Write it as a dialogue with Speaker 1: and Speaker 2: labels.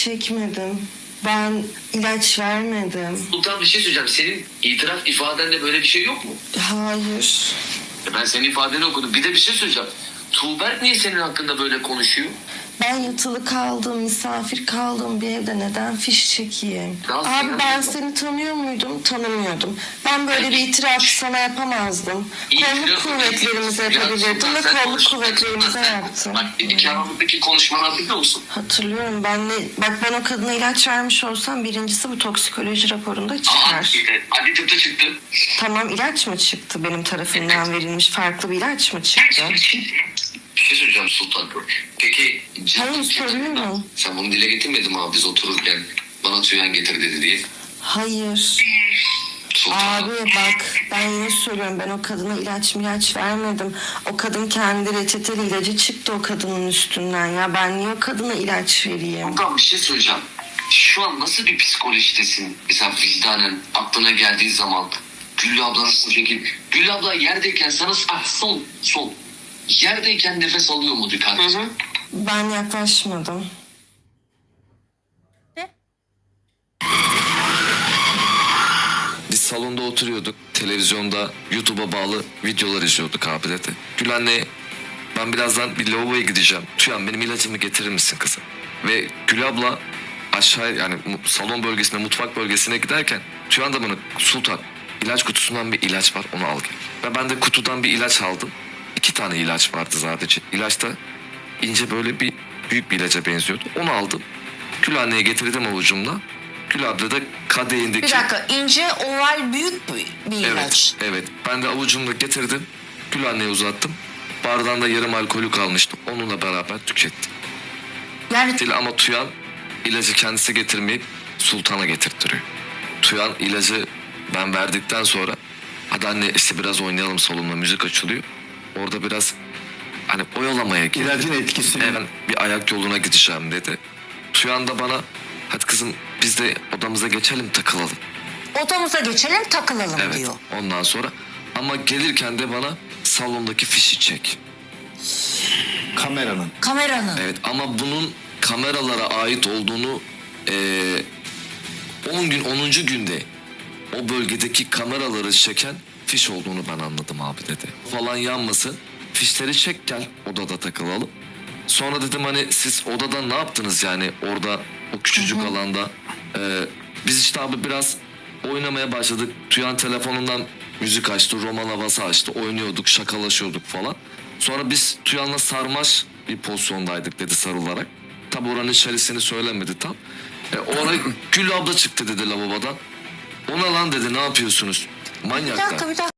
Speaker 1: çekmedim. Ben ilaç vermedim.
Speaker 2: Sultan bir şey söyleyeceğim. Senin itiraf ifadende böyle bir şey yok mu?
Speaker 1: Hayır.
Speaker 2: Ben senin ifadeni okudum. Bir de bir şey söyleyeceğim. Tuğberk niye senin hakkında böyle konuşuyor?
Speaker 1: Ben yatılı kaldım, misafir kaldım bir evde neden fiş çekeyim? Abi ben seni tanıyor muydum? Tanımıyordum. Ben böyle bir itiraf sana yapamazdım. Kolluk kuvvetlerimize yapabilirdim ve kolluk kuvvetlerimize yaptım.
Speaker 2: Bak nikahımızdaki konuşmanı hatırlıyor musun?
Speaker 1: Hatırlıyorum. Ben o kadına ilaç vermiş olsam birincisi bu toksikoloji raporunda çıkar.
Speaker 2: Hadi tıpta çıktı.
Speaker 1: Tamam, ilaç mı çıktı benim tarafından verilmiş? Farklı bir ilaç mı çıktı?
Speaker 2: Bir şey söyleyeceğim Sultan. Peki...
Speaker 1: Hayır, soruyorum.
Speaker 2: Sen bunu dile getirmedin mi abi biz otururken? Bana tüyen getir dedi diye.
Speaker 1: Hayır.
Speaker 2: Sultan.
Speaker 1: Abi bak, ben yine söylüyorum, ben o kadına ilaç vermedim. O kadın kendi reçeteli ilacı çıktı o kadının üstünden ya. Ben niye o kadına ilaç vereyim?
Speaker 2: Sultan bir şey söyleyeceğim. Şu an nasıl bir psikolojidesin? Mesela vicdanen aklına geldiği zaman Güllü abla nasıl peki? Güllü abla yerdeyken sana sol. Yerdeyken nefes alıyor mu dikkat?
Speaker 1: Ben yaklaşmadım.
Speaker 3: Biz salonda oturuyorduk. Televizyonda YouTube'a bağlı videolar izliyorduk abi dedi. Gül anne ben birazdan bir lavaboya gideceğim. Tüyan benim ilacımı getirir misin kızım? Ve Gül abla aşağı yani salon bölgesine, mutfak bölgesine giderken Tüyan da bana Sultan ilaç kutusundan bir ilaç var onu al gel. Ve ben de kutudan bir ilaç aldım. 2 tane ilaç vardı sadece. İlaç da ince böyle bir büyük bir ilaca benziyordu. Onu aldım. Gül anneye getirdim avucumla. Gül abla da kadehindeki...
Speaker 4: Bir dakika, ince oval büyük bir ilaç.
Speaker 3: Evet. Ben de avucumla getirdim. Gül anneye uzattım. Bardağında yarım alkolü kalmıştı. Onunla beraber tükettim.
Speaker 4: Yani
Speaker 3: Ama Tüyan ilacı kendisi getirmeyip Sultan'a getirttiriyor. Tüyan ilacı ben verdikten sonra hadi anne işte biraz oynayalım salonda müzik açılıyor. Orada biraz hani oyalamaya girdi.
Speaker 5: İlacın etkisini.
Speaker 3: Ben bir ayak yoluna gideceğim dedi. Tüyan da bana hadi kızım biz de odamıza geçelim takılalım.
Speaker 4: odamıza geçelim takılalım
Speaker 3: Evet.
Speaker 4: diyor.
Speaker 3: Ondan sonra ama gelirken de bana salondaki fişi çek.
Speaker 5: Kameranın.
Speaker 4: Kameranın.
Speaker 3: Evet ama bunun kameralara ait olduğunu 10 günde o bölgedeki kameraları çeken fiş olduğunu ben anladım abi dedi. Falan yanmasın fişleri çek gel odada takılalım. Sonra dedim hani siz odada ne yaptınız yani orada o küçücük alanda. Biz işte abi biraz oynamaya başladık. Tüyan telefonundan müzik açtı, roman havası açtı. Oynuyorduk, şakalaşıyorduk falan. Sonra biz Tüyan'la sarmaş bir pozisyondaydık dedi sarılarak. Tabi oranın içerisini söylemedi tam. Oraya Gül abla çıktı dedi lavabodan. Ona lan dedi ne yapıyorsunuz?
Speaker 4: Bir
Speaker 3: Manyaklar.
Speaker 4: dakika.